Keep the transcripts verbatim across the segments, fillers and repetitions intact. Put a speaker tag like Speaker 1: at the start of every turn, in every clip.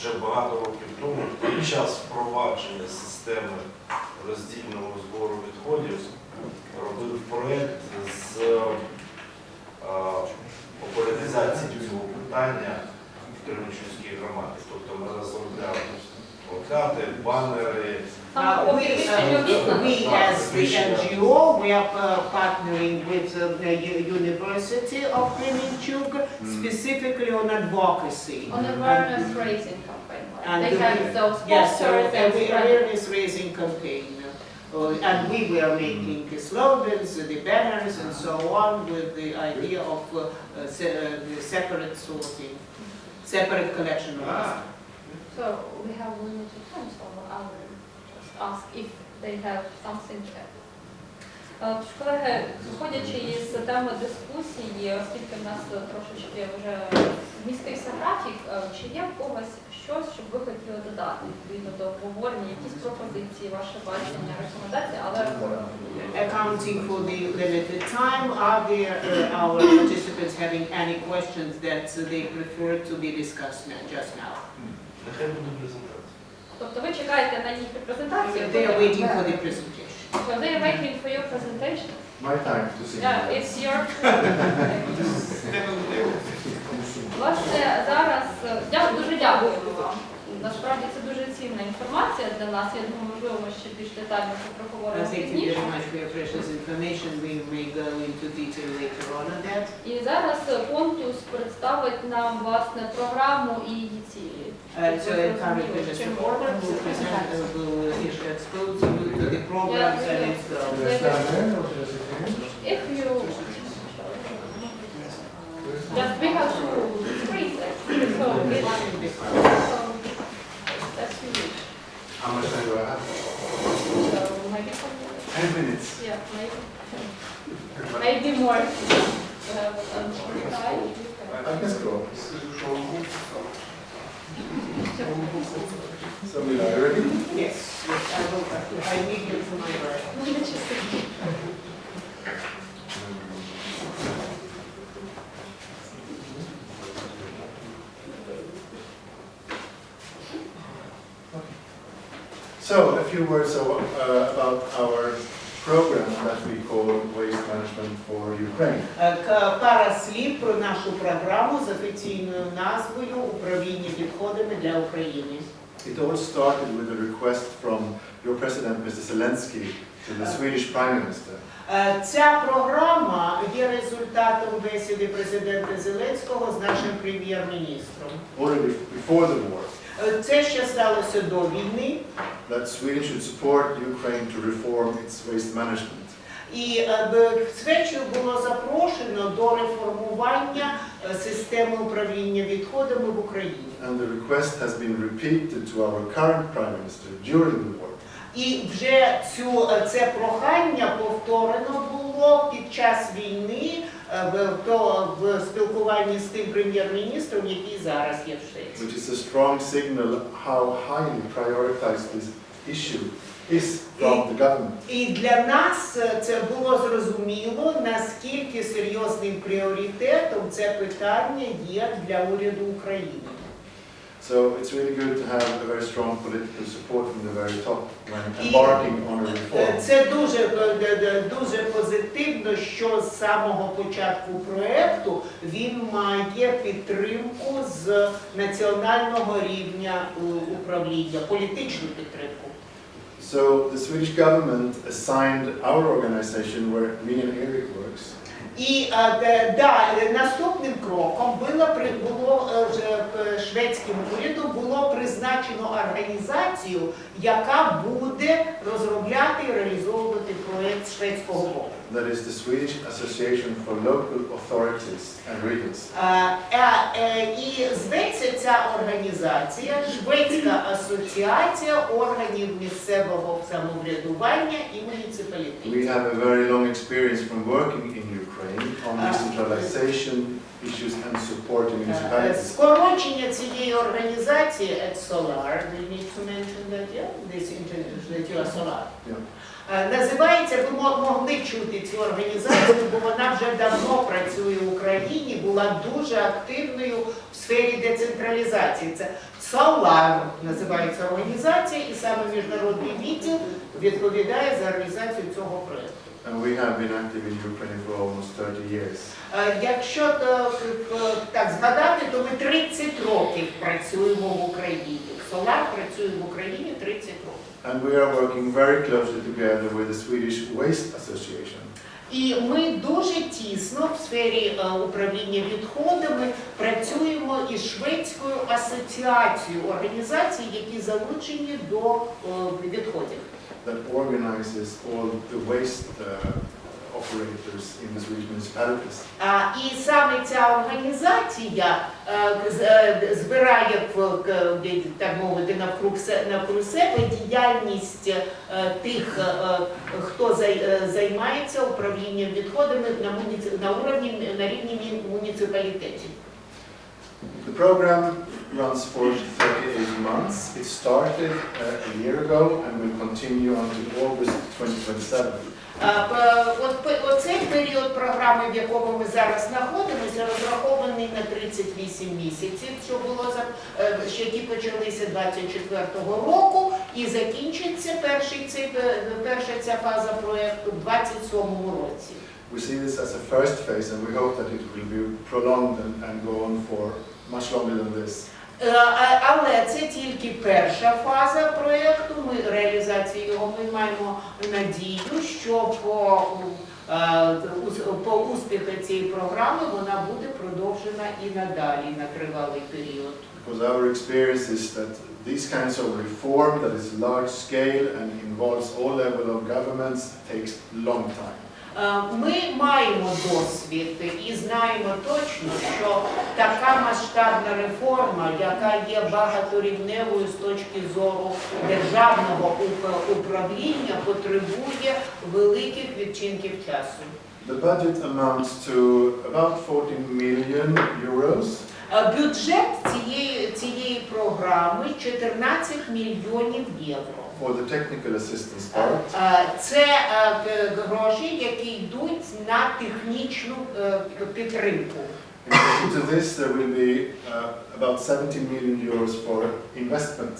Speaker 1: ще багато років тому, під час впровадження системи роздільного збору відходів, робив проєкт з популяризації цього питання в Кременчуцькій громаді. Тобто ми розробляли плакати, банери.
Speaker 2: Uh, we, uh, we as the N G O, we are uh, partnering with uh, the U University of Kremenchuk, specifically on advocacy.
Speaker 3: On awareness raising campaign.
Speaker 2: And
Speaker 3: They
Speaker 2: the-
Speaker 3: have those
Speaker 2: Yes, so
Speaker 3: posters
Speaker 2: uh,
Speaker 3: and
Speaker 2: we-
Speaker 3: spread-
Speaker 2: awareness raising campaign. Uh, and we were making the slogans, uh, the banners and so on with the idea of uh, uh, se uh, the separate sorting, separate collection of waste.
Speaker 3: So we have limited time, so I will just ask if they have something to add. Е, Тож, колеги, виходячи із теми дискусії, оскільки в нас трошечки вже змістився графік, е, чи є в когось щось, що б ви хотіли додати відповідно до обговорення, якісь пропозиції, ваше бачення, рекомендації, але коротко.
Speaker 2: Accounting for the limited time, are there uh, our participants having any questions that uh, they prefer to be discussed now, just now?
Speaker 1: Нехай буде презентація.
Speaker 3: Тобто ви чекаєте на їхню презентацію?
Speaker 2: They are waiting for the presentation.
Speaker 3: So they are waiting for your presentation?
Speaker 4: My time to see.
Speaker 3: Yeah, it's your Власне, зараз я дуже дякую вам. Насправді це дуже цінна інформація для нас. Я думаю, можливо, ми ще більш детально це проговоримо
Speaker 2: Thank you
Speaker 3: пізніше.
Speaker 2: very much for your precious information. We may go into detail later on on that.
Speaker 3: І зараз Понтус представить нам власне програму і її цілі.
Speaker 2: Uh, so currently Mister Porter will present, uh, will expose you to the programs and its goals.
Speaker 4: Should I stand there or should I sit here?
Speaker 3: If you just we have to freeze it. So it's so that's you.
Speaker 4: How much time do I have?
Speaker 3: So maybe some minutes.
Speaker 4: Ten minutes.
Speaker 3: Yeah, maybe. Maybe more. Uh, um, time.
Speaker 4: I can scroll. Somebody are you ready?
Speaker 2: Yes, yes, I will, I need you to my right.
Speaker 4: So, a few words of, uh, about our program that we call Waste Management for Ukraine.
Speaker 2: Е, к- Пара слів про нашу програму з офіційною назвою «Управління відходами для України».
Speaker 4: It all started with a request from your president, Mister Zelensky, to the Swedish Prime Minister.
Speaker 2: Е, Ця програма є результатом бесіди президента Зеленського з нашим прем'єр-міністром.
Speaker 4: Already before the war,
Speaker 2: Е, Це ще сталося до війни,
Speaker 4: that Sweden should support Ukraine to reform its waste management.
Speaker 2: і е, б- Швецію було запрошено до реформування е, системи управління відходами в Україні.
Speaker 4: And the request has been repeated to our current Prime Minister during the war.
Speaker 2: І вже цю, е, це прохання повторено було під час війни е, в, то, в спілкуванні з тим прем'єр-міністром, який зараз є в Швеції.
Speaker 4: Which is a strong signal how highly prioritized this issue is from the government.
Speaker 2: І для нас е, це було зрозуміло, наскільки серйозним пріоритетом це питання є для уряду України.
Speaker 4: So it's really good to have a very strong political support from the very top when embarking on a
Speaker 2: Е,
Speaker 4: reform.
Speaker 2: Це дуже, е, д- д- дуже позитивно, що з самого початку проєкту він має підтримку з національного рівня е, управління, політичну підтримку.
Speaker 4: So the Swedish government assigned our organization where me and Eric works
Speaker 2: І е, де- да, е, наступним кроком було, при- було е, ж, е, шведським урядом було призначено організацію, яка буде розробляти і реалізовувати проєкт з шведського боку.
Speaker 4: that is the Swedish Association for Local Authorities and Regions.
Speaker 2: Е, е, е, І зветься ця організація Шведська асоціація органів місцевого самоврядування і муніципалітетів.
Speaker 4: We have a very long experience from working in Ukraine on
Speaker 2: Ah.
Speaker 4: decentralization issues and support the
Speaker 2: Е,
Speaker 4: municipalities.
Speaker 2: Скорочення цієї організації at Solar, we need to mention that, yeah, this inter- that you are Solar.
Speaker 4: Yeah.
Speaker 2: Е, Називається, ви мо- могли чути цю організацію, бо вона вже давно працює в Україні, була дуже активною в сфері децентралізації. Це Solar називається організація, і саме міжнародний відділ відповідає за організацію цього проєкту.
Speaker 4: And we have been active in Ukraine for almost thirty years.
Speaker 2: Е, Якщо то, е, так згадати, то ми тридцять років працюємо в Україні. Solar працює в Україні тридцять років.
Speaker 4: And we are working very closely together with the Swedish Waste Association.
Speaker 2: І ми дуже тісно в сфері е, управління відходами працюємо із Шведською асоціацією організацій, які залучені до е, відходів.
Speaker 4: That organizes all the waste uh, operators in the Swedish municipalities.
Speaker 2: А, І саме ця організація е, з- е, збирає, в- к- так мовити, навкруг се- навкруг себе діяльність е, тих, е, хто зай- е, займається управлінням відходами на, муніци... на, уровні, на рівні мі- муніципалітетів.
Speaker 4: The program runs for thirty-eight months. It started uh, a year ago and will continue until August twenty twenty-seven.
Speaker 2: А, п- От п- оцей період програми, в якому ми зараз знаходимося, розрахований на тридцять вісім місяців, що було за е, ще які почалися двадцять четвертого року, і закінчиться перший цей е, перша ця фаза проекту в двадцять сьомому році.
Speaker 4: We see this as a first phase and we hope that it will be prolonged and, and go on for much longer than this.
Speaker 2: Е, а- Але це тільки перша фаза проєкту, ми реалізації його ми маємо надію, що по, е, ус- по успіху цієї програми вона буде продовжена і надалі на тривалий період.
Speaker 4: Because our experience is that these kinds of reform that is large scale and involves all level of governments takes long time.
Speaker 2: Е, Ми маємо досвід і знаємо точно, що така масштабна реформа, яка є багаторівневою з точки зору державного уп- управління, потребує великих відчинків часу.
Speaker 4: The budget amounts to about fourteen million euros.
Speaker 2: Е, Бюджет цієї, цієї програми чотирнадцять мільйонів євро.
Speaker 4: For the technical assistance part,
Speaker 2: Е, Це е, г- гроші, які йдуть на технічну е, підтримку.
Speaker 4: in addition to this, there will be uh, about seventeen million euros for investments.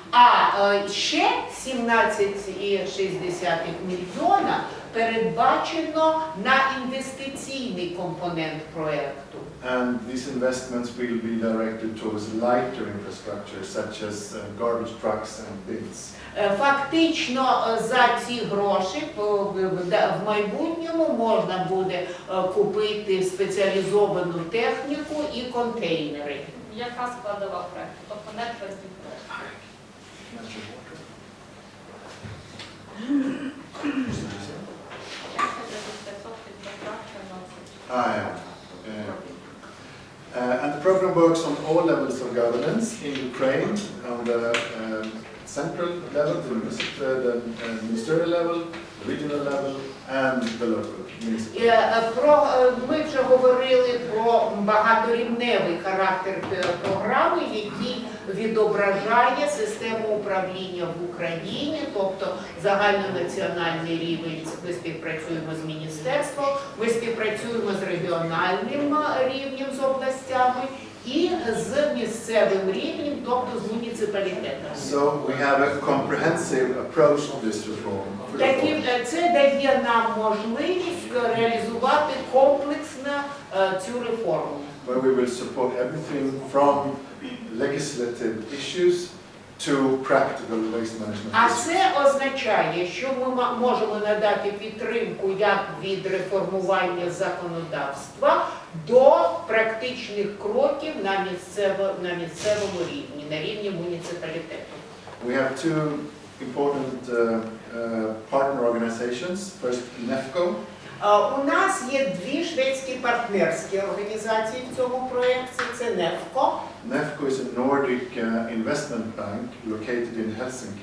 Speaker 2: А е, ще сімнадцять цілих шість десятих мільйона передбачено на інвестиційний компонент проєкту.
Speaker 4: And these investments will be directed towards lighter infrastructure such as uh, garbage trucks and bins.
Speaker 2: Е, Фактично е, за ці гроші по- в в- в майбутньому можна буде е, купити спеціалізовану техніку і контейнери.
Speaker 3: Яка складова проєкту? Тобто не твердий проєкт.
Speaker 4: Ah, yeah. Uh, uh, and the program works on all levels of governance in Ukraine, on the um, central level, the, municip- uh, the uh, ministerial level, the regional level, and the local
Speaker 2: Е,
Speaker 4: municipal.
Speaker 2: е, Про е, ми вже говорили про багаторівневий характер е, програми, який відображає систему управління в Україні, тобто загальнонаціональний рівень. Ми співпрацюємо з міністерством, ми співпрацюємо з регіональним е, рівнем, з областями і з місцевим рівнем, тобто з муніципалітетами.
Speaker 4: So we have a comprehensive approach to this reform.
Speaker 2: Такі, е, це дає нам можливість реалізувати комплексно е, цю реформу.
Speaker 4: Where we will support everything from legislative issues to practical waste management
Speaker 2: А
Speaker 4: issues.
Speaker 2: це означає, що ми ма- можемо надати підтримку як від реформування законодавства до практичних кроків на, місцево, на місцевому рівні, на рівні муніципалітету.
Speaker 4: We have two important uh, uh, partner organizations. First, NEFCO,
Speaker 2: Е, У нас є дві шведські партнерські організації в цьому проєкті. Це нефко.
Speaker 4: NEFCO is a Nordic uh, investment bank located in Helsinki.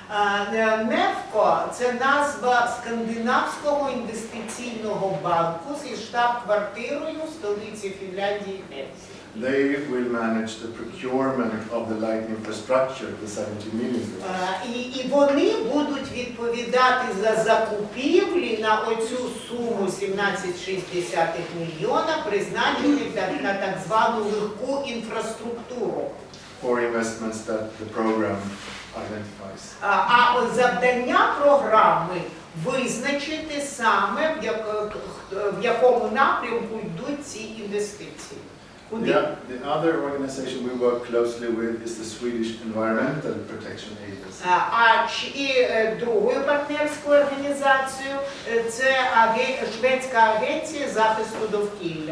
Speaker 2: НЕФКО – це назва Скандинавського інвестиційного банку зі штаб-квартирою в столиці Фінляндії Хельсінкі.
Speaker 4: They will manage the procurement of the light infrastructure, the seventy million.
Speaker 2: Е, І, і вони будуть відповідати за закупівлі на оцю суму сімнадцять цілих шість десятих мільйона, призначені так- на так звану легку інфраструктуру.
Speaker 4: For investments that the program identifies.
Speaker 2: А, а от завдання програми визначити саме, в, як, в якому напрямку йдуть ці інвестиції. Куди?
Speaker 4: Yeah, the other organization we work closely with is the Swedish Environmental Protection Agency.
Speaker 2: А, а ч- і е, другою партнерською організацією е, це аге- Шведська агенція захисту довкілля.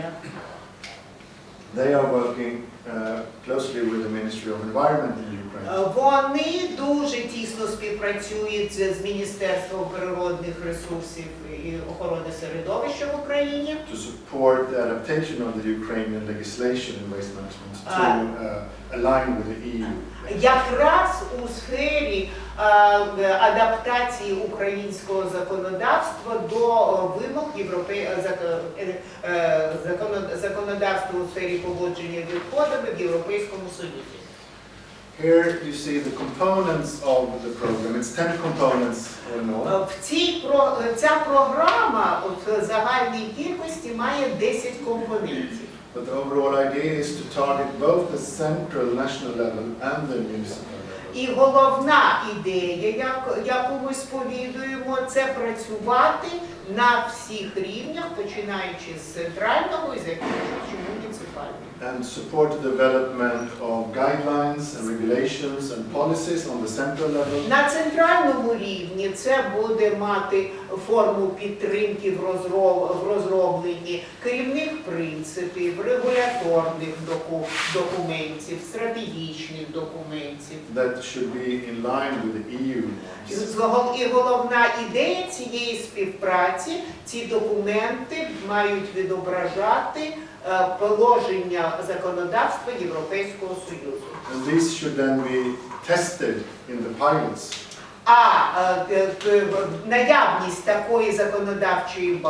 Speaker 4: They are working uh, closely with the Ministry of Environment in Ukraine
Speaker 2: Е, Вони дуже тісно співпрацюють з з Міністерством природних ресурсів і охорони середовища в Україні.
Speaker 4: to support the adaptation of the Ukrainian legislation in waste management to uh, align with the E U.
Speaker 2: Якраз у сфері е, адаптації українського законодавства до е, вимог європе... е, зак- е, е, законо- законодавства у сфері поводження з відходами в Європейському Союзі.
Speaker 4: Here you see the components of the program. It's ten components or
Speaker 2: Е,
Speaker 4: more.
Speaker 2: В цій про е, ця програма от, в загальній кількості має десять компонентів.
Speaker 4: But the overall idea is to target both the central national level and the municipal level.
Speaker 2: І головна ідея, як- яку ми сповідуємо, це працювати на всіх рівнях, починаючи з центрального і закінчуючи муніципальним.
Speaker 4: And support the development of guidelines and regulations and policies on the central level.
Speaker 2: На центральному рівні це буде мати форму підтримки в, розроб, в розробленні керівних принципів, регуляторних доку, документів, стратегічних документів.
Speaker 4: That should be in line with the E U
Speaker 2: І
Speaker 4: norms.
Speaker 2: згол- І головна ідея цієї співпраці, ці документи мають відображати е, положення законодавства Європейського Союзу.
Speaker 4: And these should then be tested in the pilots.
Speaker 2: А е, е, е, наявність такої законодавчої бази